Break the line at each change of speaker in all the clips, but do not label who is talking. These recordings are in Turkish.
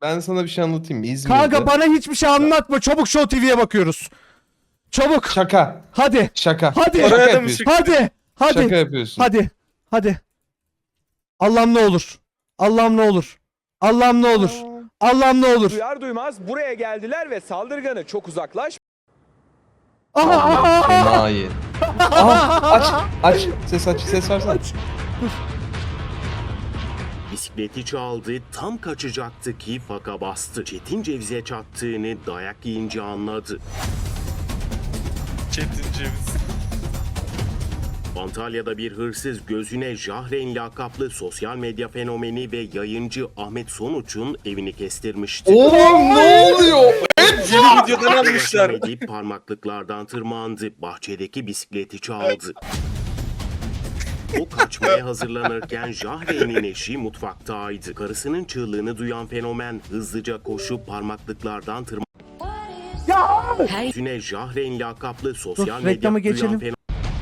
Ben sana bir şey anlatayım mı? İzmir'de.
Kanka bana hiçbir şey anlatma. Çabuk Show TV'ye bakıyoruz. Çabuk.
Şaka.
Hadi.
Şaka.
Hadi.
Şaka
Oraya da mı
yapıyorsun.
çıktı?
Hadi. Hadi.
Şaka yapıyorsun.
Hadi. Hadi. Allah'ım ne olur. Allah'ım ne olur. Allah'ım ne olur. Allah'ım ne olur.
Duyar duymaz buraya geldiler ve saldırganı çok uzaklaş.
Aha.
Enayi. Aha, aç. Aç. Ses aç. Ses versene.
Bisikleti çaldı, tam kaçacaktı ki faka bastı. Çetin Ceviz'e çattığını dayak yiyince anladı.
Çetin Ceviz.
Antalya'da bir hırsız gözüne Jahren lakaplı sosyal medya fenomeni ve yayıncı Ahmet Sonuç'un evini kestirmişti.
Oğlum ne oluyor?
Yeni videodan almışlar.
Edip parmaklıklardan tırmandı, bahçedeki bisikleti çaldı. O kaçmaya hazırlanırken Jahre'nin eşi mutfaktaydı. Karısının çığlığını duyan fenomen hızlıca koşup parmaklıklardan tırmandı. Gözüne Jahren lakaplı sosyal
Dur,
medya
reklamı
duyan
geçelim.
fenomen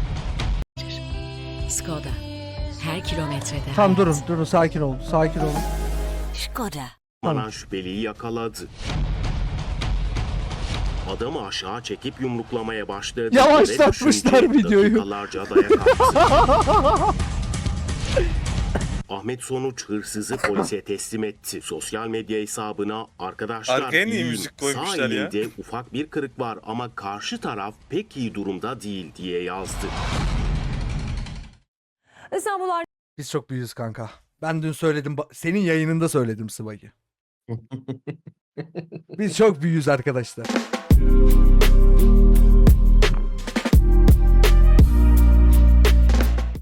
Skoda. Her kilometrede.
Tamam
hayat.
durun sakin olun sakin olun.
Skoda.
Anan şüpheliyi yakaladı. Adamı aşağı çekip yumruklamaya başladı.
Yavaşlatmışlar
Yere düşünce
videoyu.
dakikalarca dayak attı. Ahmet Sonuç hırsızı polise teslim etti. Sosyal medya hesabına arkadaşlar
Arkaya niye
iyiyim.
müzik koymuşlar
Sağ
ya?
elinde ufak bir kırık var ama karşı taraf pek iyi durumda değil diye yazdı.
İstanbul
Biz çok büyüğüz kanka. Ben dün söyledim. Senin yayınında söyledim Sıvayı. Biz çok büyüğüz arkadaşlar.